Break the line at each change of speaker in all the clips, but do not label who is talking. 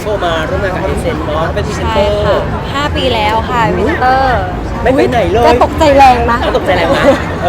โบมาร่วมงานกับเอเซนเนาะเป็นพรีเซน
ใช่
เตอร์
ค่ะ5 ปีแล้วค่ะวินเตอร์
ไม่ไปไหนเลย
ก็ตกใจแรงนะ
ก็ตกใจแรงนะ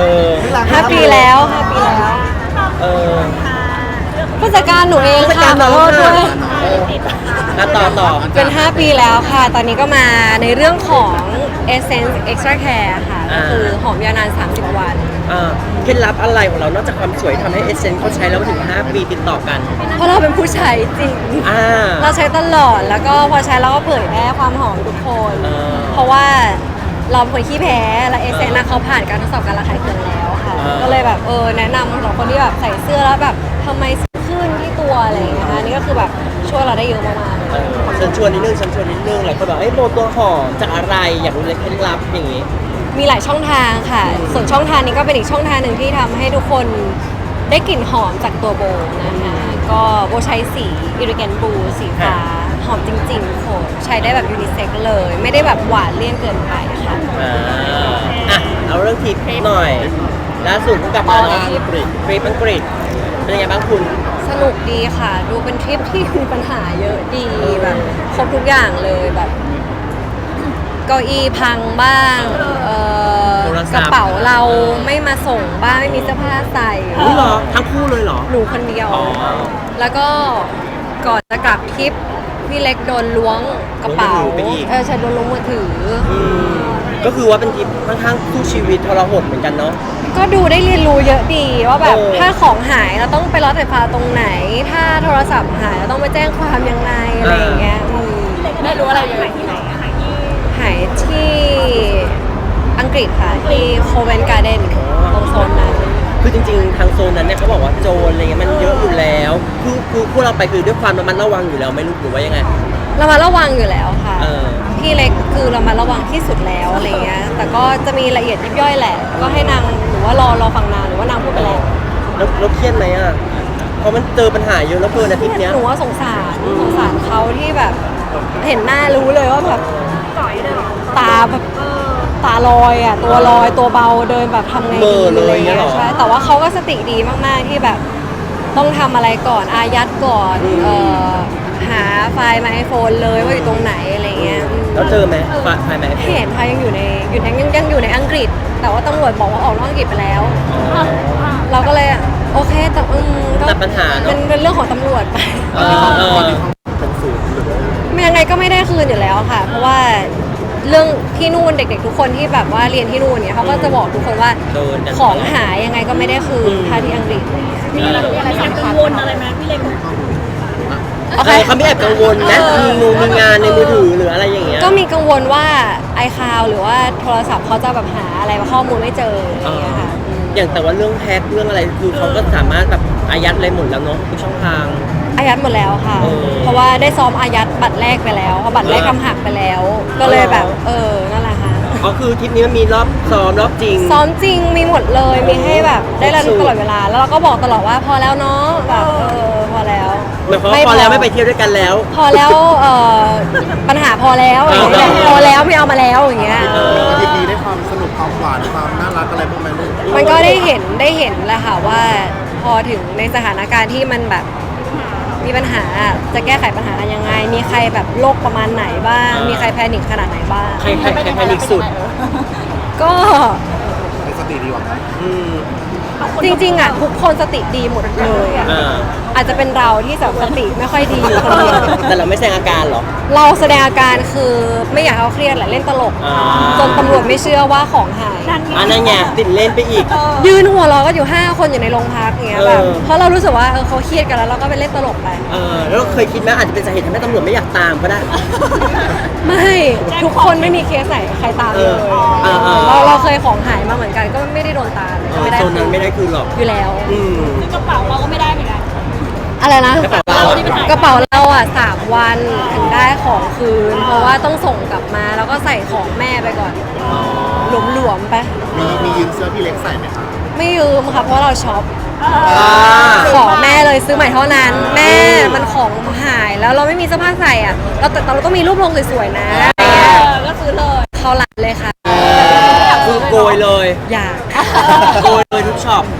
5 ปีแล้ว5 ปีแล้ว
เออ
ผู้จัดการหนูเอง
ผู้จัด
ค่ะ
การ
ขอ
น้อง
โทษด้วย
ต่อ
เป็น 5 ปีแล้วค่ะ ตอนนี้ก็มาในเรื่องของ Essence Extra Care ค่ะก็คือหอมยาวนาน 30 วัน
เคล็ดลับอะไรของเรานอกจากความสวยทำให้เอเซนเขาใช้แล้วถึง5 ปีติดต่อกัน
เพราะเราเป็นผู้ใช้จริง เราใช้ตลอด แล้วก็พอใช้เราก็เผยแพร่ความหอมทุกคน เพราะว่าเราเป็นคนขี้แพ้ และเอเซนเขาผ่านการทดสอบการระคายเคืองแล้วค่ะ ก็เลยแบบแนะนำสำหรับคนที่แบบใส่เสื้อแล้วแบบทำไมขึ้นที่ตัวอะไรอย่างเงี้ยค่ะนี่ก็คือแบบช่วยเราได้เยอะมากๆ
ฉันชวนนิดนึงหลายคนบอกโบตัวหอมจากอะไรอยากรู้เลยเคล็ดลับอย่างงี้
มีหลายช่องทางค่ะ ส่วนช่องทางนี้ก็เป็นอีกช่องทางหนึ่งที่ทำให้ทุกคนได้กลิ่นหอมจากตัวโบนะคะก็โบใช้สีอิริแกนบูสีฟ้าหอมจริงๆโหใช้ได้แบบยูนิเซ็กเลย ไม่ได้แบบหวานเลี่ยนเกินไปค่ะ
เอาเรื่องทริปหน่อยล่าสุดเพิ่งกลับมาทริปอังกฤษเป็นยังไงบ้างคุณ
สนุกดีค่ะ ดูเป็นทริปที่มีปัญหาเยอะดีแบบครบทุกอย่างเลยแบบเก้าอี้พังบ้างกระเป๋าเราไม่มาส่งบ้างไม่มีเสื้อผ้าใส่
เหรอทั้งคู่เลยเหรอ
หนูคนเดียว แล้วก็ก่อนจะกลับทริปพี่เล็กโดนล้วงกระเป๋าใช่โดนล้วงมือถือ
ก็คือว่าเป็นทริปค่อนข้างคู่ชีวิตทรหดเหมือนกันเนาะ
ก็ดูได้เรียนรู้เยอะดีว่าแบบถ้าของหายเราต้องไปรถไฟฟ้าตรงไหน ถ้าโทรศัพท์หายเราต้องไปแจ้งความยังไงอะไรอย่างเงี้ยได้รู้อะไรเยอะหายที่อังกฤษค่ะที่โคเวนการ์เดนตรงโซนนั้น
คือจริงๆทางโซนนั้นเนี่ยเขาบอกว่าโจรอะไรเงี้ยมันเยอะอยู่แล้วคือพวกเราไปคือด้วยความระมัดระวังอยู่แล้วไม่รู้หรือว่ายังไง
เรามาระวังอยู่แล้วค่ะพี่เล็กคือเรามาระวังที่สุดแล้วอะไรเงี้ยแต่ก็จะมีละเอียดยิบย่อยแหละ ก็ให้นางหรือว่ารอฟังนางหรือว่านางพูดไปแล้ว
แล้วเครียดไหมอ่ะเพราะมันเจอปัญหาเยอะแล้วเกินอาทิตย์เนี้ย
หนูว่าสงสารเขาที่แบบเห็นหน้ารู้เลยว่าแบบตาแบบตาลอยอ่ะตัวลอยตัวเบาเดินแบบทำไงดีอะไรเงี้ยใช่แต่ว่าเขาก็สติดีมากๆที่แบบต้องทำอะไรก่อนอายัดก่อนหาไฟล์มาไอโฟนเลยว่าอยู่ตรงไหนอะไรเงี้ย
แล้วเจอไหมไฟไหม
เห็นค่ะยังอยู่ในยังอยู่ในอังกฤษ แต่ว่าตำรวจบอกว่าออกนอกอังกฤษไปแล้วเราก็เลยโอเคแต่
ตัดปัญหาเนาะ
เป็นเรื่องของตำรวจไป
เป็นศูนย์
ยังไงก็ไม่ได้คืนอยู่แล้วค่ะ เพราะว่าเรื่องที่นู่นเด็กๆทุกคนที่แบบว่าเรียนที่นู่นเนี่ยเขาก็จะบอกทุกคนว่าของหายยังไงก็ไม่ได้คืนถ้าที่อังกฤษ
มีอะไรกังวลอะไรไหมพี่เล็ก
เขาไม่แอบกังวลนะมีงานในมือถือหรืออะไรอย่างเงี้ย
ก็มีกังวลว่าiCloud หรือว่าโทรศัพท์เขาจะแบบหาอะไรข้อมูลไม่เจออะไรอย่างเงี้ยค่ะ
อย่างแต่ว่าเรื่องแฮ็กเรื่องอะไรคือเขาก็สามารถแบบอายัดอะไรหมดแล้วเนาะทุกช่องทาง
อายัดหมดแล้วค่ะเพราะว่าได้ซ้อมอายัดบัตรแรกไปแล้วเพราะบัตรแรกทำหักไปแล้ว ก็เลยแบบนั่นแหละค่ะ
ก็คือทริปนี้มันมีรอบซ้อมรอบจริง
ซ้อมจริงมีหมดเลยมีให้แบบได้ระลึกตลอดเวลาแล้วเราก็บอกตลอดว่าพอแล้วเนาะแบบพอแล้ว
ไม่พอแล้วไม่ไปเที่ยวด้วยกันแล้ว
พอแล้วปัญหาพอแล้วพอแล้วไม่เอามาแล้วอย่างเงี้ย
ยินดีได้ความสนุกความหวานความน่ารักอะไรพวกนั้นลูก
มันก็ได้เห็นแหละค่ะว่าพอถึงในสถานการณ์ที่มันแบบมีปัญหาจะแก้ไขปัญหายังไงมีใครแบบโรคประมาณไหนบ้างมีใครแพนิคขนาดไหนบ้าง
ใครแพนิคสุด
ก็
ในสติดีกว่านะ
จริงๆอ่ะทุกคนสติดีหมดเลยอ่ะอาจจะเป็นเราที่สติไม่ค่อยดีคนเดียว
แต่เราไม่แสดงอาการหรอ
เราแสดงอาการคือไม่อยากเอาเครียดแหละเล่นตลกจนตำรวจไม่เชื่อว่าของหาย
อันนั้นไงติดเล่นไปอีก
ยืนหัวเราะก็อยู่5 คนอยู่ในโรงพักอย่างเงี้ยแบบเพราะเรารู้สึกว่าเขาเครียดกันแล้วเราก็ไปเล่นตลกไป
แล้วเคยคิดไหมอาจจะเป็นสาเหตุทำให้ตำรวจไม่อยากตามก็ได้
ไม่ทุกคนไม่มีเคสไหนใครตามเลยเราเคยของหายมาเหมือนกันก็ไม่ได้โดนตาม
ไม่ได้โซนนั้นไม่ได้คืนหรอก
อยู่แล้ว
กระเป๋าเราก็ไม่ได้เหมือนกัน
อะไรนะกระเป๋าเราอ่ะ3 วันถึงได้ของคืนเพราะว่าต้องส่งกลับมาแล้วก็ใส่ของแม่ไปก่อนหลวมๆไป
มียืมเสื้อพี่เล็กใส่ไหมคะ
ไม่ยืมค่ะเพราะเราช็อปขอแม่เลยซื้อใหม่เท่านั้นแม่มันของหายแล้วเราไม่มีเสื้อผ้าใส่อ่ะเราต้องมีรูปลงสวยๆนะ
ก็ซื้อเลย
เขาหลังเลยค่ะ
คือโกยเลย
อยาก
โกยเลยทุกช็อป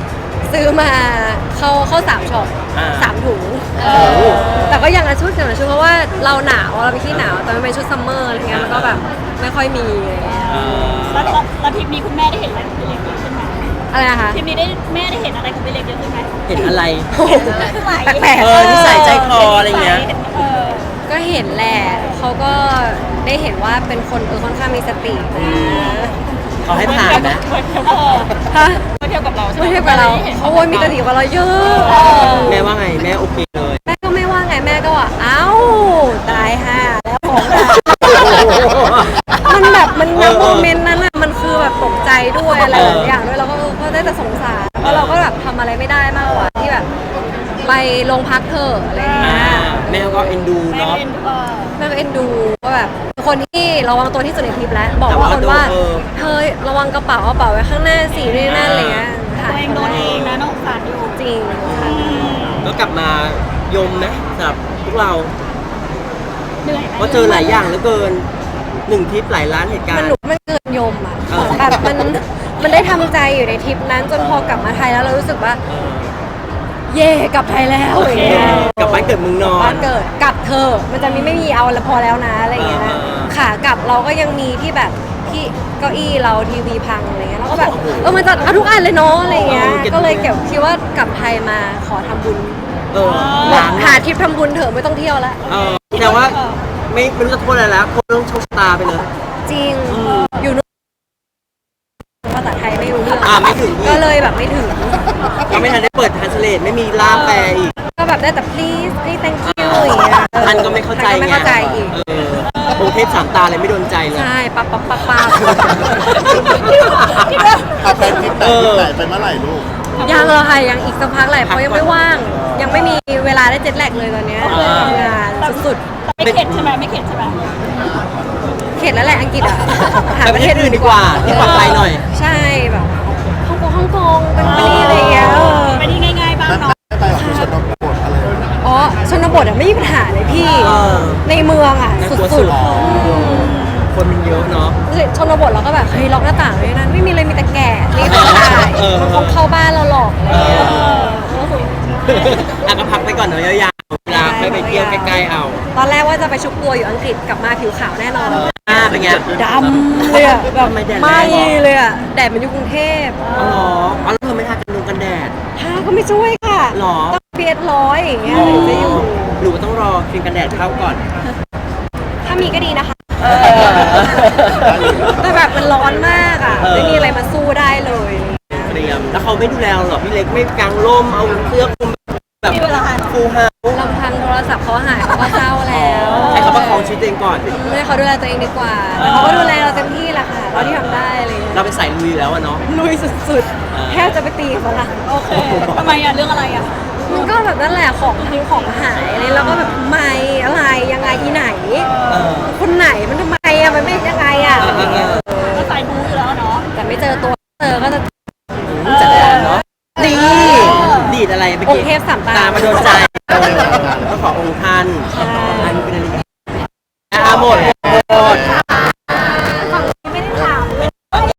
ซื้อมาเข้า3ช็อป
อ่า
3 ถุง
โอ้โห
แต่ก็ยังละชุดเพราะว่าเราหนาวเราไปที่หนาวแต่มันเป็นชุดซัมเมอร์อะไรเงี้ยมันก็แบบไม่ค่อยมีอะไรเงี้ย
แล้วทริปนี้คุณแม่ได้เห็นอะไรของพี่เล็กเยอะขึ้นไหม
อะไรนะคะ
ทริปนี้ได้แม่ได้เห็นอะไรของพี่เล็กเยอะขึ้นไหม
เห็นอะไร
แปลก
นิสัยใจคออะไรเงี้ย
เออ
ก็เห็นแหละเขาก็ได้เห็นว่าเป็นคนค่อนข้างมีสตินะ
เขาให้ผ่านนะ
เออ
ฮะ
มาเที่ยวกับเราใช่ไหม
ไม่ใช่กับเราเขาโวยมีสติกว่าเราเยอะ
แม่ว่าไงแม่โอเคเลย
แม่ก็ไม่ว่าไงแม่ก็ว่าเอ้าตายห่าแล้วของอะมันแบบมันณโมเมนต์นั้นอะมันคือแบบตกใจด้วยอะไรหลายอย่างด้วยเราก็ได้แต่สงสารเพราะเราก็แบบทำอะไรไม่ได้มากกว่าที่แบบไปโรงพักเถอะอะไรอย่างเงี้ย
แม่ก็เอ็นดู
แม่
เนาะ
เป็น
แม่ก็เอ็นดูว่าแบบคนที่ระวังตัวที่สุดในทริปแล้วบอกว่าคนว่าเธอระวังกระเป๋าไว้ข้างหน้าสินี่นั่นอะไรเงี้ย
ตัวเองโดนเองนะน้องสารอยู่
จริงค่ะ
ก็กลับมายมนะสำหรับพวกเรา
เหนื่อยไหม
เพราะเจอหลายอย่างเหลือเกิน1ทริปหลายล้านเหตุการ
มัน
ณ์
หนุกมันเกินยมอ่ะ
เออ
แบบมันได้ทำใจอยู่ในทริปนั้นจนพอกลับมาไทยแล้วเรารู้สึกว่า
เออ
เย่กลับไทยแล้วอย่างเงี้ย
กลับบ้านเกิดเมืองนอน
บ้านเกิดกลับเธอะมันจะไม่มีเอาแล้วพอแล้วนะอะไรอย่างเงี้ยนะ
เออ
ขากลับเราก็ยังมีที่แบบที่เก้าอี้เราทีวีพังอะไรเงี้ยเราก็แบบมันจะเอาทุกอันเลยเนาะอะไรเงี้ยก็เลยเก็บคิดว่ากลับไทยมาขอทำบุญ
ล้าง
หาทริปทำบุญเถอะไม่ต้องเที่ยวแล้ว
แต่ว่าไม่รู้จะโทษอะไรแล้วโทษเรื่องโชคชะตาไปเลย
จริงอยู่นู่นภาษาไทยไม่รู้เรื่อง
ไม่ถึงอีก
ก็เลยแบบไม่ถึง
ยังไม่ทันได้เปิด translate ไม่มีล่ามแปลอีก
ก็แบบได้แต่ please thank you อย่างเงี้ย
ท่านก็ไม่เข้าใจ
ท่นก็ไม่เข้าใจอีก
กรุงเทพสามตาเลยไม่โดนใจเลย
ใช่ปั๊บ
เอาแฟนทริปไหนไปเมื่อไหร่ลูก
ยังเลยค่ะยังอีกสักพักแหละเพราะยังไม่ว่าง ยังไม่มีเวลาได้เจ็ตแลกเลยตอนเนี้ยทำงานสุด
ไม่เข็ดใช่ไหมไม่เข็ดใช่ไหม
ๆเข็ดแล้วแหละอังกฤษอ่ะหา
ไป
ป
ประ ระ
เท
เท
ศ
ศ
อื่
อื่
น
น
ดี
ดี
ก
ก
ว่า
ว่าที่ปลอดภัยหน่อย
ใช่แบบฮ่องกงเป็นไปอะไรอย่างเงี้ย
ไปที่ง่ายๆบ้าง
นั่น
เนาะ
ไปออกชนบทอะไร
อ๋อชนบทอ่ะไม่มีปัญหาเลยพี่
เออ
ในเมืองอ่ะ
น่ากลัว
สุ
สุ
ด
ด คนมันเยอะเนาะ
ๆชนบทเราก็แบบเฮ้ยล็อกหน้าต่างเลยนั้นไม่มีเลยมีแต่แก่รีบเข้าได้
เออ
มันคงเข้าบ้านเราหรอกอะไรอย่างเงี้ย
ก็พักไปก่อนเนาะยาวๆเวลาค่อยไปเที่ยวใกล้ๆเอา
ตอนแรกว่าจะไปชุบตัวอยู่อังกฤษกลับมาผิวขาวแน่นอน
เป็นไง
ดำเลยอะแบบ
ทำไมแดดแรง
ไม่เลยอะแดดมันอยู่กรุงเทพ
อ๋อแล้วเธอไม่ทากันแดด
ทาก็ไม่ช่วยค่ะ
หรอ
ต้องเพีย100อย่างเงี้ยถึงจะอยู่
หรือว่าต้องรอครีมกันแดดเข้าก่อน
ถ้ามีก็ดีนะคะ แต่แบบมันร้อนมากอะ
เออ
ไม่มีอะไรมาสู้ได้เลย
เตรียมแล้วเขาไม่ดูแลเราหรอพี่เล็กไม่กางร่มเอาเสื้อคลุมแบบฟูลเฮาส์
ลำพังโทรศัพท์เขาหายเขาก็เศร้าแล้ว
ให้เขาประคองชีวิตตัวเองก่อน
ให้เขาดูแลตัวเองดีกว่าแต่เขาก็ดูแลเราเต็มที่แหละค่ะเราที่ทำได้อะไรเลย
เราเป็นสายลุยแล้วอะเนาะ
ลุยสุดๆแทบจะไปตีเขาละ
โอเคทำไมอ่ะเรื่องอะไรอ่ะ
มันก็แบบนั่นแหละของทั้งของหายอะไรแล้วก็แบบทำไมอะไรยังไงอีไหน
เออ
คนไหนมันทำไมอะมันไม่ยังไงอะ
ก็สายบู๊อยู่แล้วเนาะ
แต่ไม่เจอตัวเจอก็จะ
จัดการเนาะดีดีดอะไรไป
องค์เทพสามตา
มาโดนใจก็ขอองค์ท่านอันนี้เป็นนาฬิกา